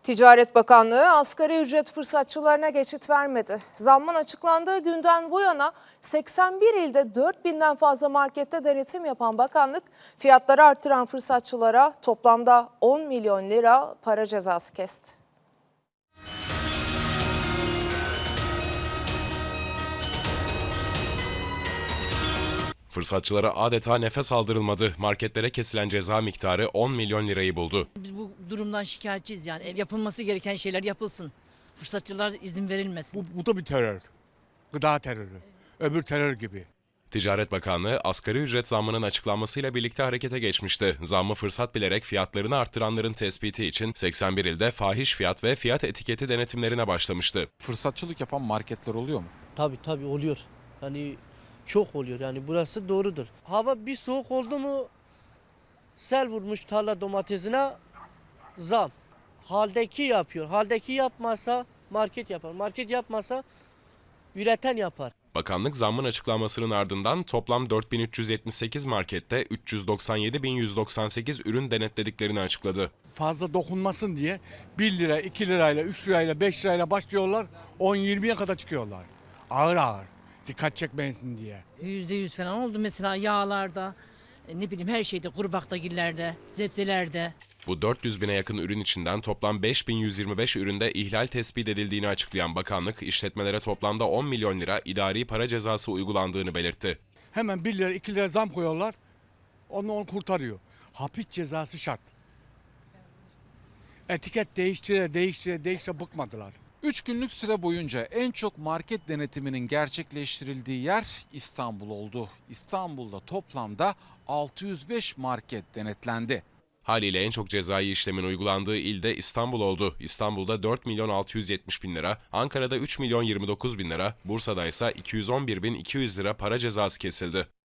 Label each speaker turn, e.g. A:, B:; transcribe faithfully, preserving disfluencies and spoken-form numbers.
A: Ticaret Bakanlığı asgari ücret fırsatçılarına geçit vermedi. Zammın açıklandığı günden bu yana seksen bir ilde dört binden fazla markette denetim yapan bakanlık fiyatları arttıran fırsatçılara toplamda on milyon lira para cezası kesti.
B: Fırsatçılara adeta nefes aldırılmadı. Marketlere kesilen ceza miktarı on milyon lirayı buldu.
C: Biz bu durumdan şikayetçiyiz yani. Yapılması gereken şeyler yapılsın. Fırsatçılar izin verilmesin.
D: Bu, bu da bir terör. Gıda terörü. Öbür terör gibi.
B: Ticaret Bakanlığı asgari ücret zammının açıklanmasıyla birlikte harekete geçmişti. Zammı fırsat bilerek fiyatlarını arttıranların tespiti için seksen bir ilde fahiş fiyat ve fiyat etiketi denetimlerine başlamıştı.
E: Fırsatçılık yapan marketler oluyor mu?
F: Tabii tabii oluyor. Yani çok oluyor yani burası doğrudur. Hava bir soğuk oldu mu sel vurmuş tarla domatesine zam. Haldeki yapıyor. Haldeki yapmasa market yapar. Market yapmasa üreten yapar.
B: Bakanlık zammın açıklanmasının ardından toplam dört bin üç yüz yetmiş sekiz markette üç yüz doksan yedi bin yüz doksan sekiz ürün denetlediklerini açıkladı.
D: Fazla dokunmasın diye bir lira, iki lirayla, üç lirayla, beş lirayla başlıyorlar. on yirmiye kadar çıkıyorlar. Ağır ağır. Dikkat çekmesin diye.
C: Yüzde yüz falan oldu mesela yağlarda, e, ne bileyim her şeyde, kurbaktagillerde, zepselerde.
B: Bu dört yüz bine yakın ürün içinden toplam beş bin yüz yirmi beş üründe ihlal tespit edildiğini açıklayan bakanlık, işletmelere toplamda on milyon lira idari para cezası uygulandığını belirtti.
D: Hemen bir lira, iki lira zam koyuyorlar. Onu, onu kurtarıyor. Hapis cezası şart. Etiket değiştire, değiştire, değiştire bıkmadılar.
E: üç günlük süre boyunca en çok market denetiminin gerçekleştirildiği yer İstanbul oldu. İstanbul'da toplamda altı yüz beş market denetlendi.
B: Haliyle en çok cezai işlemin uygulandığı ilde İstanbul oldu. İstanbul'da dört milyon altı yüz yetmiş bin lira, Ankara'da üç milyon yirmi dokuz bin lira, Bursa'da ise iki yüz on bir bin iki yüz lira para cezası kesildi.